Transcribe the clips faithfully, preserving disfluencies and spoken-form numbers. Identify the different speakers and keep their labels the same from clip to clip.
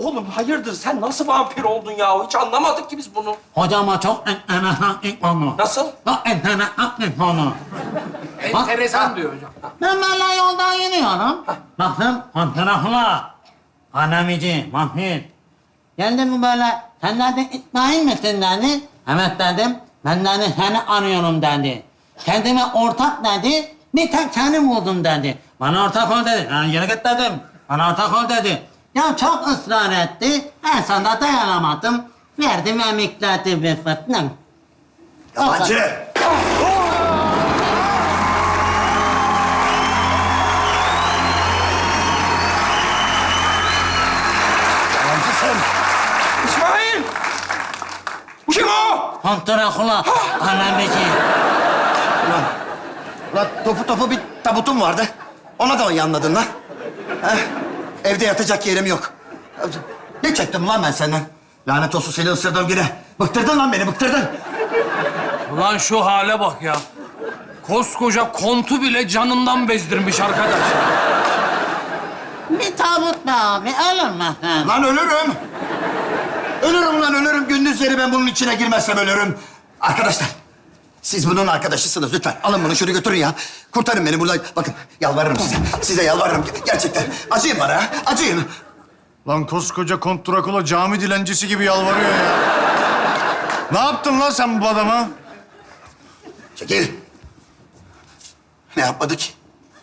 Speaker 1: Oğlum hayırdır sen nasıl vampir oldun ya? Hiç anlamadık ki biz bunu.
Speaker 2: Hocama çok enteresan ilk konu.
Speaker 1: Nasıl?
Speaker 2: Çok enteresan ilk konu.
Speaker 3: Enteresan diyor hocam.
Speaker 2: Ben böyle yoldan yürüyorum. Baktım fotoğrafla. Anamici, vampir. Geldi mi böyle, sen dedi İsmail misin dedi. Evet dedim. Ben dedi seni arıyorum dedi. Kendime ortak dedi. Bir tek seni buldum dedi. Bana ortak ol dedi. Ha, yürü git dedim. Bana ortak ol dedi. Ya çok ısrar etti. En sonunda dayanamadım. Verdim emikledi bir fıtnım.
Speaker 4: Yalancı! Yalancısın!
Speaker 1: İsmail! Kim o?
Speaker 2: Kontrakula, anamici.
Speaker 4: Ulan, ulan topu topu bir tabutum vardı. Ona da mı yanladın lan? Heh, evde yatacak yerim yok. Ne çektim lan ben senden? Lanet olsun seni ısırdığım güne. Bıktırdın lan beni, bıktırdın.
Speaker 3: Ulan şu hale bak ya. Koskoca kontu bile canından bezdirmiş arkadaş.
Speaker 2: Bir tabut be abi, ölür müsün?
Speaker 4: Lan ölürüm. Ölürüm lan ölürüm. Gündüzleri ben bunun içine girmezsem ölürüm. Arkadaşlar, siz bunun arkadaşısınız lütfen. Alın bunu şunu götürün ya. Kurtarın beni buradan. Bakın yalvarırım size. Size yalvarırım. Gerçekten. Acıyın bana ya. Acıyın.
Speaker 5: Lan koskoca Kont Drakula cami dilencisi gibi yalvarıyor ya. Ne yaptın lan sen bu adama?
Speaker 4: Çekil. Ne yapmadı ki?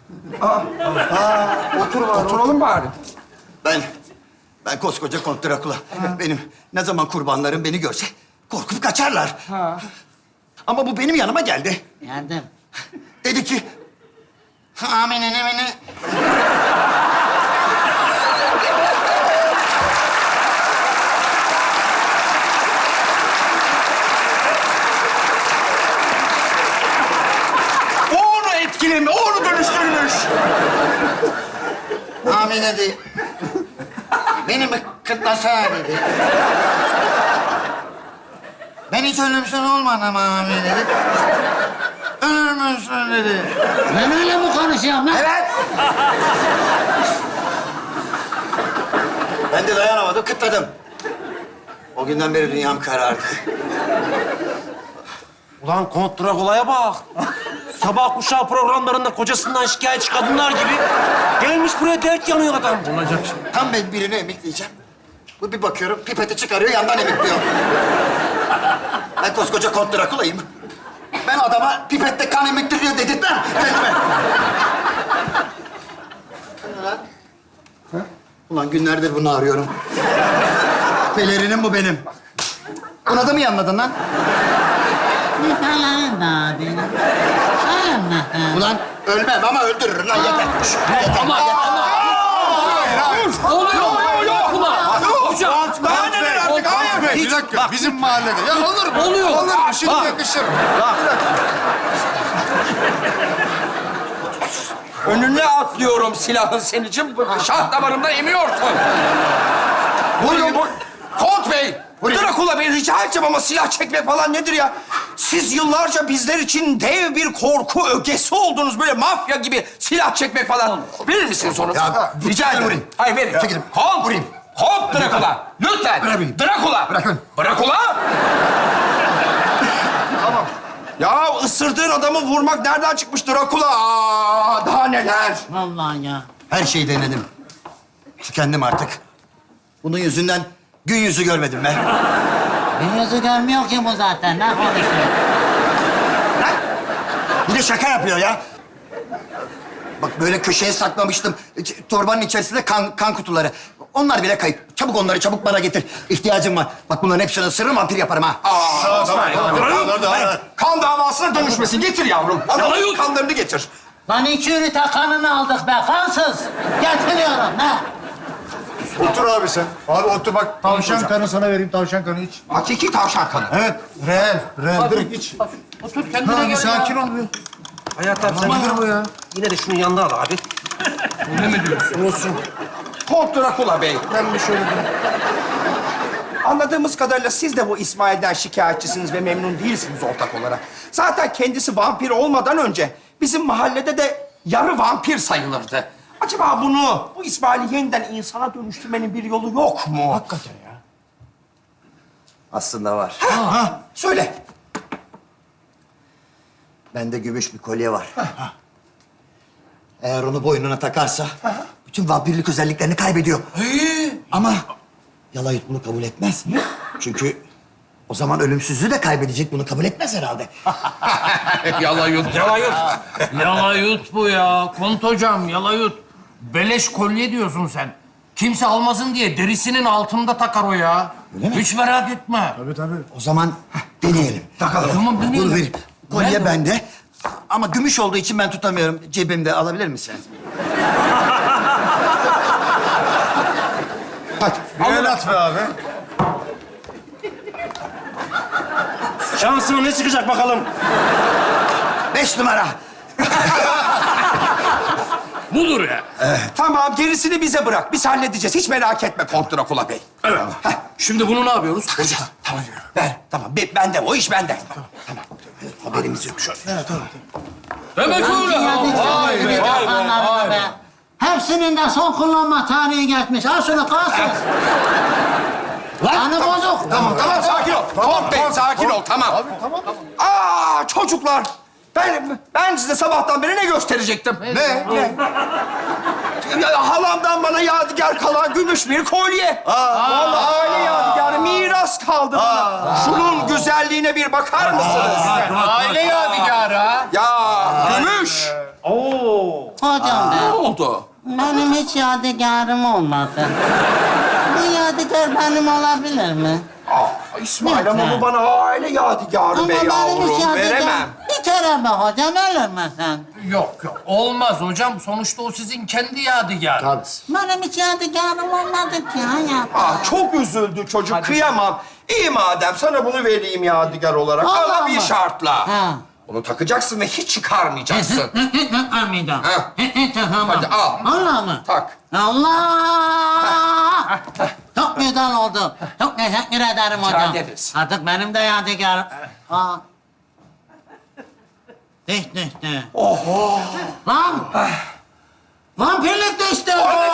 Speaker 1: Oturalım bari.
Speaker 4: Ben, ben koskoca Kont Drakula. Benim ne zaman kurbanlarım beni görse korkup kaçarlar. Ama bu benim yanıma geldi.
Speaker 2: Geldim.
Speaker 4: Dedi ki,
Speaker 2: Amine nemine.
Speaker 1: O onu etkilemi, o onu dönüştürmüş.
Speaker 4: Amine dedi. Beni mi kırtlasana dedi. Ben hiç ölümsüz olmadım ama Amine dedi. Ölür müsün dedi.
Speaker 2: Ben öyle mi konuşuyorum lan?
Speaker 4: Evet. Ben de dayanamadım, kıtladım. O günden beri dünyam karardı.
Speaker 1: Ulan Kont Drakula'ya bak. Sabah kuşağı programlarında kocasından şikayetçi kadınlar gibi gelmiş buraya dert yanıyor adam. Olacak şey.
Speaker 4: Tam ben birini emekleyeceğim. Bu bir bakıyorum, pipeti çıkarıyor, yandan emekliyor. Ben koskoca Kont Drakula'yım. Ben adama pipette kan emektiriyor dedirtmem kendime. Ulan. Ulan günlerdir bunu arıyorum. Pelerinim bu benim. Buna da mı yanladın lan?
Speaker 2: Nikaların da benim. Ölür müsün?
Speaker 4: Ulan ölmem ama öldürürüm lan yeter. Yeter,
Speaker 3: Ama
Speaker 4: yeter.
Speaker 3: oluyor. Ulan. Hocam.
Speaker 1: Daha neler artık? Hayır.
Speaker 5: Bey, bir dakika, bizim mahallede. Ya olur mu?
Speaker 3: Oluyor.
Speaker 5: Olur mu? Şimdi
Speaker 3: Bak.
Speaker 5: yakışır.
Speaker 1: Önüne atlıyorum silahın senin için. Şah damarımdan emiyorsun. Buyurun. bu- Kont Bey. Drakula Bey rica edeceğim ama silah çekme falan nedir ya? Siz yıllarca bizler için dev bir korku ögesi oldunuz. Böyle mafya gibi silah çekmek falan. Verir misiniz onu?
Speaker 4: Ya,
Speaker 1: rica ederim.
Speaker 4: vurayım.
Speaker 1: Hayır verin.
Speaker 4: Çekilin.
Speaker 1: Kont.
Speaker 4: Vurayım.
Speaker 1: Kont Drakula. Lütfen.
Speaker 4: Bırakın.
Speaker 1: Drakula.
Speaker 4: Bırakın.
Speaker 1: Drakula. Tamam. Ya ısırdığın adamı vurmak nereden çıkmış Drakula? Aa, daha neler?
Speaker 2: Vallahi ya.
Speaker 4: Her şeyi denedim. Tükendim artık. Bunun yüzünden gün yüzü görmedim ben.
Speaker 2: Bir yüzü görmüyor ki bu zaten. Ne konuşuyor?
Speaker 4: Lan! Bir de şaka yapıyor ya. Bak böyle köşeye saklamıştım. İç- Torbanın içerisinde kan, kan kutuları. Onlar bile kayıp. Çabuk onları çabuk bana getir. İhtiyacım var. Bak bunların hepsini ısırırım vampir yaparım ha.
Speaker 1: Aa, tamam,
Speaker 4: Hayır.
Speaker 1: kan davasına dönüşmesin. Getir yavrum. Adamın
Speaker 3: Yut.
Speaker 1: kanlarını getir.
Speaker 2: Lan iki ünite kanını aldık be, kansız. Getiriyorum, ne?
Speaker 5: Otur abi sen. Abi otur bak. Tavşan kanı sana vereyim, tavşan kanı iç.
Speaker 1: Hakiki tavşan kanı.
Speaker 5: Evet, reel, reel. Direkt iç.
Speaker 3: Otur kendine
Speaker 5: Ha,
Speaker 3: gel
Speaker 5: bir sakin
Speaker 3: ya.
Speaker 5: ol bir.
Speaker 1: Hayatım sen
Speaker 5: Nedir bu ya?
Speaker 1: yine de şunun yanına al abi.
Speaker 3: Öyle mi diyorsun?
Speaker 1: Olsun. Kont Drakula Bey.
Speaker 5: Ben bir şöyle durayım.
Speaker 1: Anladığımız kadarıyla siz de bu İsmail'den şikayetçisiniz ve memnun değilsiniz ortak olarak. Zaten kendisi vampir olmadan önce bizim mahallede de yarı vampir sayılırdı. Acaba bunu, bu İsmail'i yeniden insana dönüştürmenin bir yolu yok mu?
Speaker 3: Hakikaten ya.
Speaker 4: Aslında var.
Speaker 1: Ha, söyle.
Speaker 4: Bende gümüş bir kolye var. Eğer onu boynuna takarsa bütün vampirlik özelliklerini kaybediyor. Ama Yalayut bunu kabul etmez. Çünkü o zaman ölümsüzlüğü de kaybedecek. Bunu kabul etmez herhalde.
Speaker 1: Yalayut.
Speaker 3: Yalayut. Yalayut bu ya. Kont hocam yalayut. Beleş kolye diyorsun sen. Kimse almasın diye derisinin altında takar o ya.
Speaker 4: Öyle mi?
Speaker 3: Hiç merak etme.
Speaker 4: O zaman deneyelim.
Speaker 1: Takalım.
Speaker 3: Tamam deneyelim.
Speaker 4: Dur ver. Kolye
Speaker 3: Nerede o?
Speaker 4: bende. Ama gümüş olduğu için ben tutamıyorum. Cebimde alabilir misin?
Speaker 1: Hadi.
Speaker 5: Bir el at be abi.
Speaker 6: Şansına ne çıkacak bakalım?
Speaker 4: Beş numara.
Speaker 3: Budur ya.
Speaker 1: Tamam, gerisini bize bırak. Biz halledeceğiz. Hiç merak etme Kont Drakula Bey.
Speaker 3: Evet. Şimdi bunu ne yapıyoruz?
Speaker 1: Takacağız. Tamam. Ver. Tamam. Be- bende. O iş bende.
Speaker 4: Haberimiz yok şu an.
Speaker 3: Demek öyle.
Speaker 2: Vay be, vay be. Hepsinin de son kullanma tarihi geçmiş. Al şunu kalsın. Kanı bozuk.
Speaker 1: Tamam, tamam. Sakin ol. Kont Bey, sakin ol. Tamam. Abi, tamam. Aa, çocuklar. Ben, ben size sabahtan beri ne gösterecektim? Ne? Ne? Ya, halamdan bana yadigar kalan gümüş bir kolye. Vallahi aile yadigarı miras kaldı bana. Şunun güzelliğine bir bakar mısınız?
Speaker 3: Aile yadigarı ha.
Speaker 1: Ya gümüş.
Speaker 2: Hocam
Speaker 1: Ne
Speaker 2: be,
Speaker 1: oldu?
Speaker 2: benim hiç yadigarım olmadı. Bu yadigar benim olabilir mi?
Speaker 1: Aa, İsmail ama bu bana aile yadigarı
Speaker 2: Ama
Speaker 1: be
Speaker 2: benim hiç
Speaker 1: yavrum.
Speaker 2: yadigar...
Speaker 1: Veremem.
Speaker 2: Bir kere be hocam, ölür mü sen?
Speaker 3: Yok yok. Olmaz hocam. Sonuçta o sizin kendi yadigarı.
Speaker 2: Benim hiç yadigarım olmadı ki hayatta.
Speaker 1: Aa, çok üzüldü çocuk. Kıyamam. İyi madem sana bunu vereyim yadigar olarak.
Speaker 2: Allah
Speaker 1: Ama bir
Speaker 2: Allah.
Speaker 1: şartla.
Speaker 2: Ha.
Speaker 1: Onu takacaksın ve hiç çıkarmayacaksın.
Speaker 2: Almayacağım.
Speaker 1: Ha.
Speaker 2: Tamam.
Speaker 1: Hadi al.
Speaker 2: Allah mı?
Speaker 1: Tak.
Speaker 2: Allah! Çok güzel oldu. Çok teşekkür ederim hocam.
Speaker 1: ederiz.
Speaker 2: Artık benim de yadigarım. Aa. Düştü düştü.
Speaker 1: Oh.
Speaker 2: Lan! Vampirlik düştü.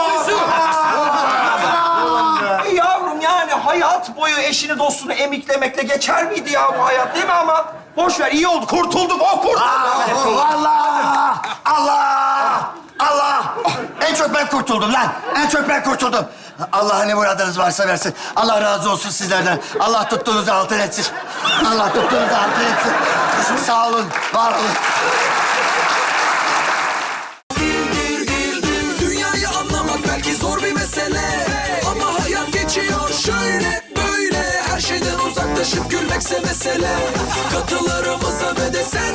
Speaker 1: E yavrum yani hayat boyu eşini dostunu emiklemekle geçer miydi ya bu hayat değil mi ama? Boş ver iyi oldu kurtulduk o kurtuldu.
Speaker 4: Allah! Allah! Allah! En çok ben kurtuldum lan. En çok ben kurtuldum. Allah ne muradınız varsa versin. Allah razı olsun sizlerden. Allah tuttuğunuzu altın etsin. Allah tuttuğunuzu altın etsin. Sağ olun, var olun.
Speaker 7: Dünyayı anlamak belki zor bir mesele, ama hayat geçiyor şöyle böyle. Her şeyden uzaklaşıp gülmekse mesele. Katılarımıza ve de sen